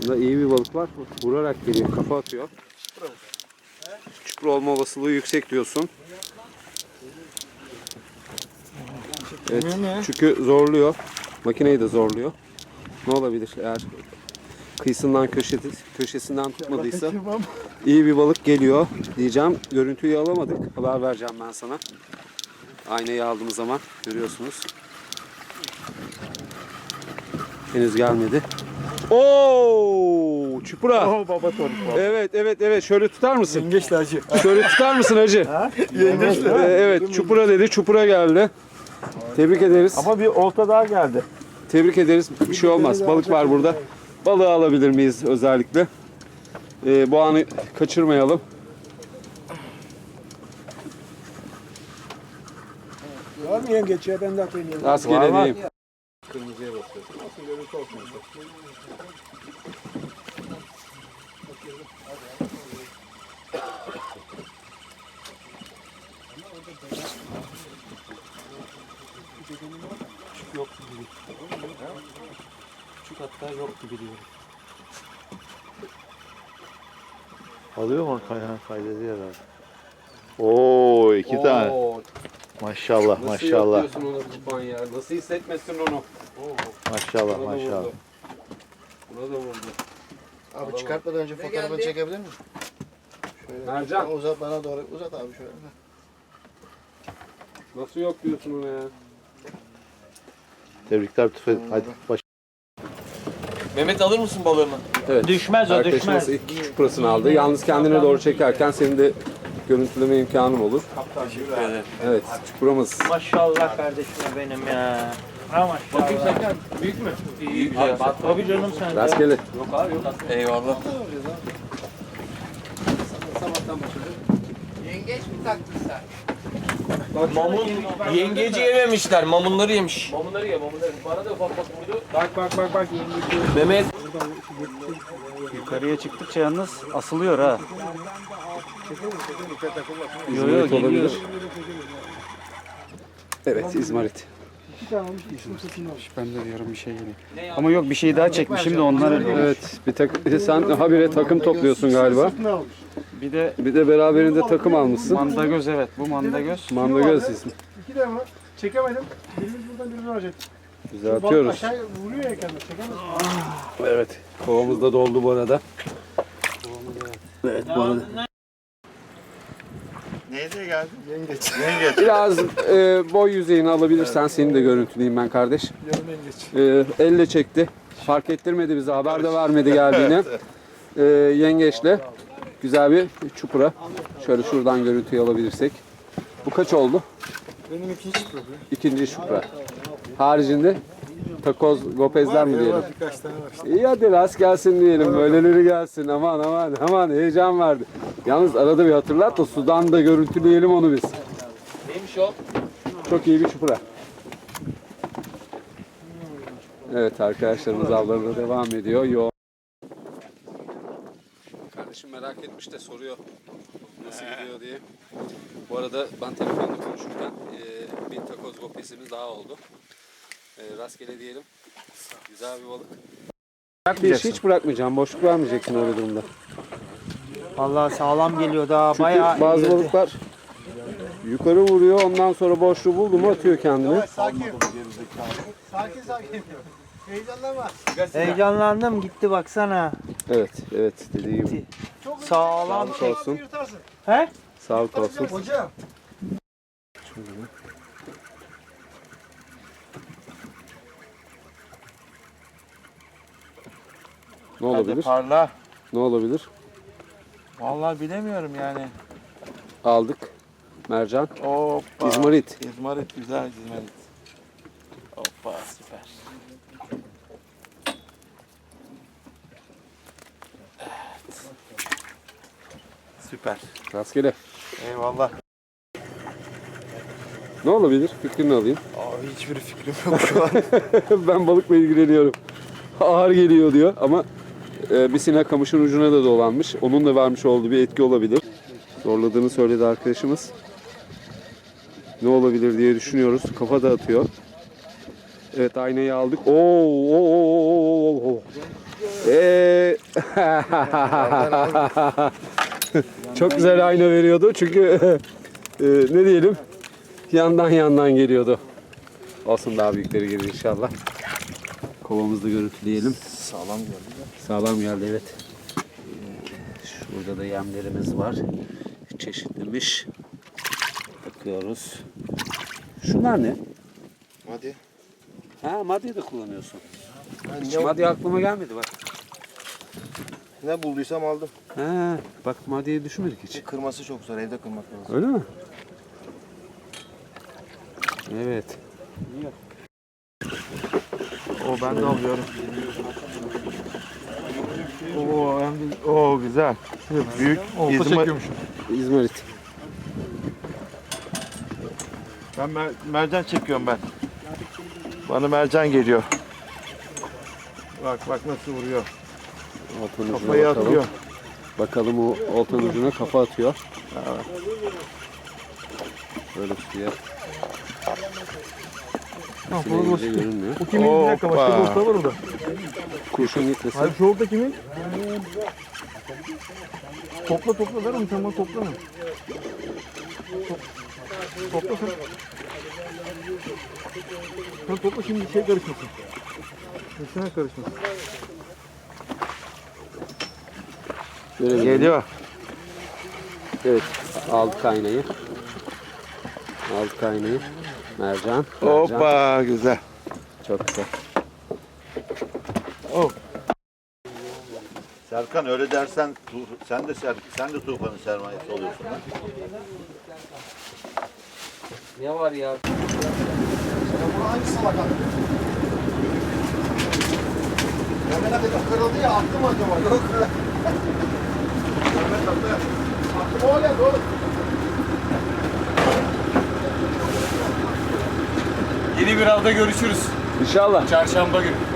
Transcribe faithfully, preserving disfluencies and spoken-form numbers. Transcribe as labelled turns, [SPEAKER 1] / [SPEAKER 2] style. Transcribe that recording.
[SPEAKER 1] Bunda iyi bir balık var. Vurarak geliyor. Kafa atıyor. Çupra olma olasılığı yüksek diyorsun. Evet. Çünkü zorluyor. Makineyi de zorluyor. Ne olabilir eğer kıyısından köşesi, köşesinden tutmadıysa iyi bir balık geliyor diyeceğim. Görüntüyü alamadık. Haber vereceğim ben sana. Aynayı aldığımız zaman görüyorsunuz. Henüz gelmedi. Oo, çupra.
[SPEAKER 2] Oh baba tonik.
[SPEAKER 1] Evet evet evet. Şöyle tutar mısın?
[SPEAKER 2] Yengeçli hacı.
[SPEAKER 1] Şöyle tutar mısın hacı?
[SPEAKER 2] Yengeçli.
[SPEAKER 1] Ee, evet, çupra dedi. Çupra geldi. Tebrik ederiz.
[SPEAKER 2] Ama bir olta daha geldi.
[SPEAKER 1] Tebrik ederiz. Bir şey olmaz. Balık var burada. Balığı alabilir miyiz özellikle? Ee, bu anı kaçırmayalım.
[SPEAKER 3] Var mı yengeç ya? Ben de atayım.
[SPEAKER 1] Rastgele diyeyim.
[SPEAKER 3] Kırmızıya basıyorsun. Nasıl görüntü olsun işte.
[SPEAKER 2] Küçük yok gibi. Küçük hatta yok gibi diyorum. Alıyor mu kayhan kaydediyor herhalde. Oo iki
[SPEAKER 1] Oo,
[SPEAKER 2] tane. Maşallah
[SPEAKER 1] Nasıl
[SPEAKER 2] maşallah.
[SPEAKER 1] yapıyorsun onu Tufan ya? Nasıl hissetmesin onu?
[SPEAKER 2] Maşallah
[SPEAKER 1] Buna da
[SPEAKER 2] maşallah.
[SPEAKER 1] vurdu. Buna da vurdu.
[SPEAKER 4] Abi çıkartmadan önce fotoğrafını çekebilir misin? Şöyle
[SPEAKER 1] Mercan.
[SPEAKER 4] Sen uzat bana doğru. Uzat abi şöyle.
[SPEAKER 1] Nasıl yok diyorsun ona ya?
[SPEAKER 2] Tebrikler Tufan. Hadi baş.
[SPEAKER 5] Mehmet alır mısın balığımı?
[SPEAKER 1] Evet.
[SPEAKER 5] Düşmez o,
[SPEAKER 1] Arkadaşımız
[SPEAKER 5] düşmez.
[SPEAKER 1] ilk çuprasını aldı. Yalnız kendine doğru çekerken senin de görüntüleme imkanın olur.
[SPEAKER 5] Teşekkür ederim.
[SPEAKER 1] Evet, çupramız.
[SPEAKER 5] Maşallah kardeşime benim ya. Ha maşallah. Bakayım Serkan. Büyük mü? İyi güzel. Tabii canım sen.
[SPEAKER 1] Rastgele.
[SPEAKER 5] Yok abi yok. Eyvallah.
[SPEAKER 4] Yengeç mi taktın sen?
[SPEAKER 5] Mamun yengeci yememişler. Mamunları yemiş. Mamunları ye, mamunları. Bana da ufak ufak vurdu.
[SPEAKER 3] Bak bak bak bak yengeç.
[SPEAKER 5] Mehmet.
[SPEAKER 6] Yukarıya çıktıkça yalnız asılıyor ha. Yo yo
[SPEAKER 1] İzmarit
[SPEAKER 6] geliyor.
[SPEAKER 1] olabilir. Evet, İzmarit.
[SPEAKER 6] Ben de diyorum bir şey geliyor. Ama yok bir şey daha çekmişim de onlar.
[SPEAKER 1] Evet, bir tak sen habire takım topluyorsun galiba.
[SPEAKER 6] Bir de
[SPEAKER 1] Bir de beraberinde takım almışsın.
[SPEAKER 6] mandagöz evet bu mandagöz.
[SPEAKER 1] Mandagöz ismi.
[SPEAKER 3] İki de var. Çekemedim. Birimiz buradan birimiz olacak.
[SPEAKER 1] Güzel
[SPEAKER 3] Balık
[SPEAKER 1] atıyoruz.
[SPEAKER 3] aşağı vuruyor ya kendine. Çekemez.
[SPEAKER 1] Evet, kovamız da doldu bu arada. Evet, bu arada.
[SPEAKER 2] Neyse geldi? Yengeç. Yengeç.
[SPEAKER 1] Biraz e, boy yüzeyini alabilirsen seni de görüntüleyeyim ben kardeş.
[SPEAKER 3] Yarım yengeç.
[SPEAKER 1] E, elle çekti. Fark ettirmedi bize, haber de vermedi geldiğini. E, yengeçle güzel bir çupra. Şöyle şuradan görüntüyü alabilirsek. Bu kaç oldu?
[SPEAKER 3] Benim ikinci problem.
[SPEAKER 1] İkinci çupra. Haricinde takoz, gopezler mi diyelim?
[SPEAKER 3] Birkaç tane var işte.
[SPEAKER 1] İyi hadi rast gelsin diyelim. Böyleleri gelsin. Aman aman aman heyecan verdi. Yalnız arada bir hatırlat da sudan da görüntüleyelim onu biz.
[SPEAKER 5] Neymiş o?
[SPEAKER 1] Çok iyi bir çupra. Evet arkadaşlarımız avlarına devam ediyor. Yo. Kardeşim merak etmiş de soruyor nasıl gidiyor diye. Bu arada ben telefonla konuşurken e, bir takoz gopesimiz daha oldu. E, rastgele diyelim. Güzel bir balık. Bir iş hiç bırakmayacağım. Boşluk vermeyeceksin öyle durumda.
[SPEAKER 6] Vallahi sağlam geliyor daha
[SPEAKER 1] Çünkü
[SPEAKER 6] bayağı.
[SPEAKER 1] bazı
[SPEAKER 6] iyi.
[SPEAKER 1] balıklar yukarı vuruyor, ondan sonra boşluğu buldu mu atıyor kendini.
[SPEAKER 3] Sakin. Sakin sakin. Heyecanlanma.
[SPEAKER 6] Heyecanlandım gitti baksana.
[SPEAKER 1] Evet, evet dediği gibi.
[SPEAKER 6] Sağlam.
[SPEAKER 1] Sağlık olsun.
[SPEAKER 3] Yırtarsın.
[SPEAKER 6] He?
[SPEAKER 1] Sağlık olsun.
[SPEAKER 3] Hocam.
[SPEAKER 1] Ne olabilir?
[SPEAKER 2] Parla.
[SPEAKER 1] Ne olabilir?
[SPEAKER 2] Vallahi bilemiyorum yani.
[SPEAKER 1] Aldık. Mercan.
[SPEAKER 2] Hoppa.
[SPEAKER 1] İzmarit.
[SPEAKER 2] İzmarit güzel İzmarit. Hoppa süper. Evet. Süper.
[SPEAKER 1] Rastgele.
[SPEAKER 2] Eyvallah.
[SPEAKER 1] Ne olabilir? Fikrini alayım.
[SPEAKER 2] Abi hiçbir fikrim yok şu an.
[SPEAKER 1] Ben balıkla ilgileniyorum. Ağır geliyor diyor ama e, bir sinek kamışın ucuna da dolanmış. Onun da vermiş olduğu bir etki olabilir. Zorladığını söyledi arkadaşımız. Ne olabilir diye düşünüyoruz. Kafa dağıtıyor. Evet aynayı aldık. Oo, oo, oo, oo, oo. Ee, çok güzel ayna veriyordu çünkü e, ne diyelim yandan yandan geliyordu. Olsun daha büyükleri gelir inşallah. Kovamızda görüntüleyelim.
[SPEAKER 4] Sağlam geldi.
[SPEAKER 1] Sağlam geldi evet. Ee, Şurada da yemlerimiz var. Çeşitlemiş. Bakıyoruz. Şunlar ne?
[SPEAKER 4] Hadi.
[SPEAKER 1] Ha madde de kullanıyorsun.
[SPEAKER 4] Ben
[SPEAKER 1] Hiç
[SPEAKER 4] ne,
[SPEAKER 1] madde aklıma gelmedi bak.
[SPEAKER 4] ne bulduysam aldım.
[SPEAKER 1] Ha, bak maddeyi düşünmedik hiç.
[SPEAKER 4] Kırması çok zor. Evde kırmak lazım.
[SPEAKER 1] Öyle mi? Evet.
[SPEAKER 2] O ben de alıyorum. Oo, hem de, oo güzel. Büyük İzmir,
[SPEAKER 1] İzmarit.
[SPEAKER 2] ben mer- mercan çekiyorum ben. Bana mercan geliyor. Bak bak nasıl vuruyor.
[SPEAKER 1] Oltanın ucuna
[SPEAKER 2] Kafayı
[SPEAKER 1] bakalım.
[SPEAKER 2] atıyor.
[SPEAKER 1] Bakalım o oltanın ucuna kafa atıyor. Böyle suya. Sineğince görünmüyor.
[SPEAKER 3] Bu kimin? Bir dakika başka bir usta var orada.
[SPEAKER 1] Kurşun gitmesin.
[SPEAKER 3] Hayır şu orada kimin? Topla topla ver onu sen bana topla mı? Top, topla sen. Sen topla şimdi şey karışmasın. Üstüne karışmasın.
[SPEAKER 1] Görelim.
[SPEAKER 2] Geliyor.
[SPEAKER 1] Evet. Aldık aynayı. Aldık aynayı. Mercan. Mercan.
[SPEAKER 2] Hoppa güzel.
[SPEAKER 1] Çok güzel.
[SPEAKER 7] Serkan öyle dersen tu- sen de ser, sen de Tufan'ın sermayesi oluyorsun lan.
[SPEAKER 5] Ne var ya?
[SPEAKER 4] Hangi salak attı? Mehmet abi kırıldı ya attı mı acaba? Yok. Mehmet abi attı mı o geldi oğlum?
[SPEAKER 5] Yeni bir avda görüşürüz.
[SPEAKER 1] İnşallah.
[SPEAKER 5] Çarşamba günü.